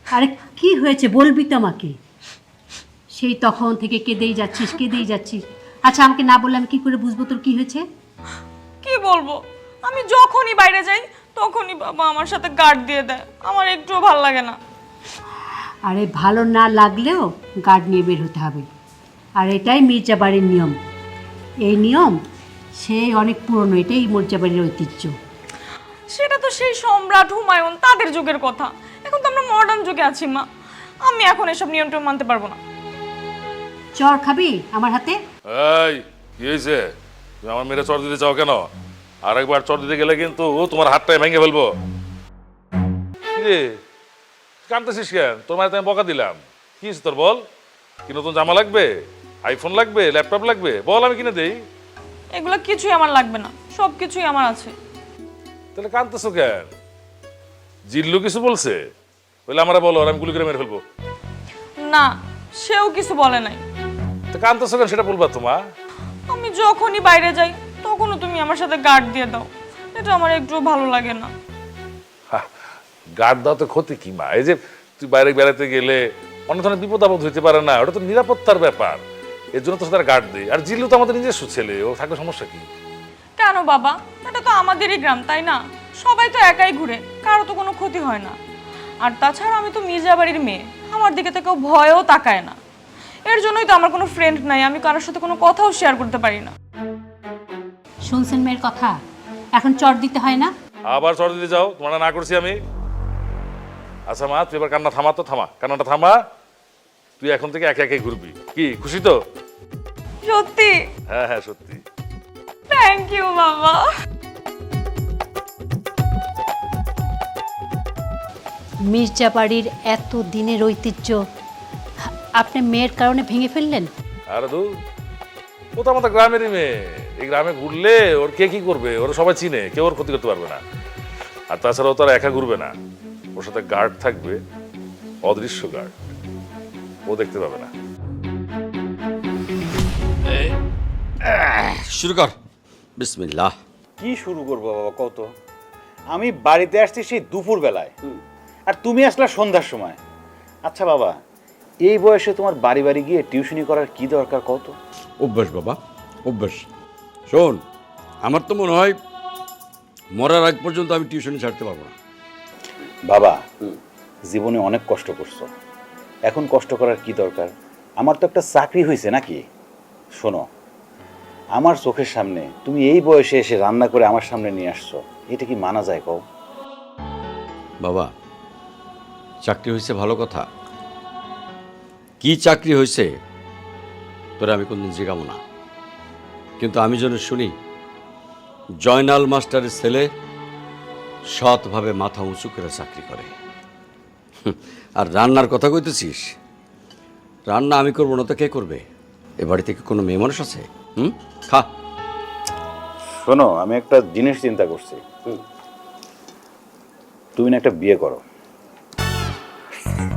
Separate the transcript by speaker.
Speaker 1: আরে কি হয়েছে বলবি তো আমাকে। সেই তখন থেকে কেঁদেই যাচ্ছিস। আচ্ছা আমাকে না বললে আমি কি করে বুঝবো তোর কি হয়েছে?
Speaker 2: কি বলবো, আমি যখনই বাইরে যাই তখনই বাবা আমার সাথে গার্ড দিয়ে দেয়। আমার একটুও ভালো লাগে না।
Speaker 1: আরে ভালো না লাগলেও গার্ড নিয়ে বের হতে হবে। আর এটাই মির্জাবাড়ির নিয়ম। এই নিয়ম সেই অনেক পুরনো, এটাই মির্জাবাড়ির ঐতিহ্য।
Speaker 2: সেটা তো সেই সম্রাট হুমায়ুন তাদের যুগের কথা। এখন তো আমরা মডার্ন যুগে আছি মা। আমি এখন এসব নিয়মটা মানতে পারবো না।
Speaker 1: চর খাবি আমার হাতে?
Speaker 3: এই কি হয়েছে? তুমি আমার মেয়েরা চর দিতে চাও কেন? আর একবার চর দিতে গেলে কিন্তু তোমার হাতটাই ভেঙে ফেলবো। রে কানতেছিস কেন? তোর মায়ের আমি বকা দিলাম। কি হয়েছে তোর বল? কি নতুন জামা লাগবে, আইফোন লাগবে, ল্যাপটপ লাগবে? বল আমি কিনে দেই।
Speaker 2: এগুলো কিছুই আমার লাগবে না, সব কিছুই আমার আছে।
Speaker 3: তাহলে কানতেছো কেন? জিল্লু কিছু বলছে? বলে আমরা বলো, আর আমি গুলি করে মেরে ফেলবো।
Speaker 2: না, সেও কিছু বলে নাই।
Speaker 3: তো কানতেছো কেন সেটা বলবা তোমা।
Speaker 2: আমি যখনই বাইরে যাই তখনও তুমি আমার সাথে গার্ড দিয়ে দাও। এটা আমার একটুও ভালো লাগে না।
Speaker 3: গার্ড দাও তো ক্ষতি কি মা? এই যে তুই বাইরে বেড়াতে গেলে অনেক ধরনের বিপদ আপদ হইতে পারে না, ওটা তো নিরাপত্তার ব্যাপার। এর জন্য তো তারা গার্ড দেয়। আর জিল্লু তো আমাদের নিজস্ব ছেলে, ও থাকলে সমস্যা কি?
Speaker 2: কেন বাবা, এটা তো আমাদেরই গ্রাম, তাই না? সবাই তো একাই ঘুরে, কারো তো কোনো ক্ষতি হয় না। আর তাছাড়া আমি তো মির্জাবাড়ির মেয়ে, আমার দিকে তো কেউ ভয়ও তাকায় না। এর জন্যই তো আমার কোনো ফ্রেন্ড নাই, আমি কারোর সাথে কোনো কথাও শেয়ার করতে পারি না।
Speaker 1: শুনছেন মেয়ের কথা? এখন চর দিতে হয় না?
Speaker 3: আবার চর দিতে যাও? তোমার না করছি আমি? আচ্ছা মা, তুই এবার কান্না থামা তো, থামা কান্নাটা থামা। তুই এখন থেকে একে একে ঘুরবি। কি খুশি তো?
Speaker 2: সত্যি?
Speaker 3: হ্যাঁ হ্যাঁ সত্যি।
Speaker 2: থ্যাংক ইউ বাবা।
Speaker 1: মির্জাবাড়ির এত দিনের ঐতিহ্য আপনি মেয়ের কারণে ভেঙে ফেললেন?
Speaker 3: আরে দু, ও তো আমাদের গ্রামেরই মেয়ে। এই গ্রামে ঘুরলে ওর কে কি করবে? ওরা সবাই চিনে, কেউ ওর ক্ষতি করতে পারবে না। আর তাছাড়া ও তো আর একা ঘুরবে না, ওর সাথে গার্ড থাকবে, অদৃশ্য গার্ড। ও দেখতে পাবে না।
Speaker 4: শুরু কর। বিসমিল্লাহ।
Speaker 5: কি শুরু করবো বাবা কত? আমি বাড়িতে আসছি সেই দুপুর বেলায়, আর তুমি আসলা সন্ধ্যার সময়। আচ্ছা বাবা, এই বয়সে তোমার বাড়ি বাড়ি গিয়ে টিউশনি করার কি দরকার কত?
Speaker 4: অভ্যাস বাবা, অভ্যাস। শোন, আমার তো মনে হয় মরার আগ পর্যন্ত আমি টিউশনি ছাড়তে পারবো না।
Speaker 5: বাবা, জীবনে অনেক কষ্ট করছো, এখন কষ্ট করার কি দরকার? আমার তো একটা চাকরি হয়েছে নাকি? শোনো, আমার চোখের সামনে তুমি এই বয়সে এসে রান্না করে আমার সামনে নিয়ে আসছো, এটা কি মানা যায় কও?
Speaker 4: বাবা, চাকরি হয়েছে ভালো কথা, কি চাকরি হয়েছে তোরা আমি কোনদিন জিজ্ঞাবো না। কিন্তু আমি যেন শুনি জয়নাল মাস্টারের ছেলে সৎভাবে মাথা উঁচু করে চাকরি করে। আর রান্নার কথা কইতেছিস, রান্না আমি করবো না তো কে করবে? এ বাড়িতে কি কোনো মেয়ে মানুষ আছে? খা।
Speaker 5: শোনো, আমি একটা জিনিস চিন্তা করছি, তুমি না একটা বিয়ে করো।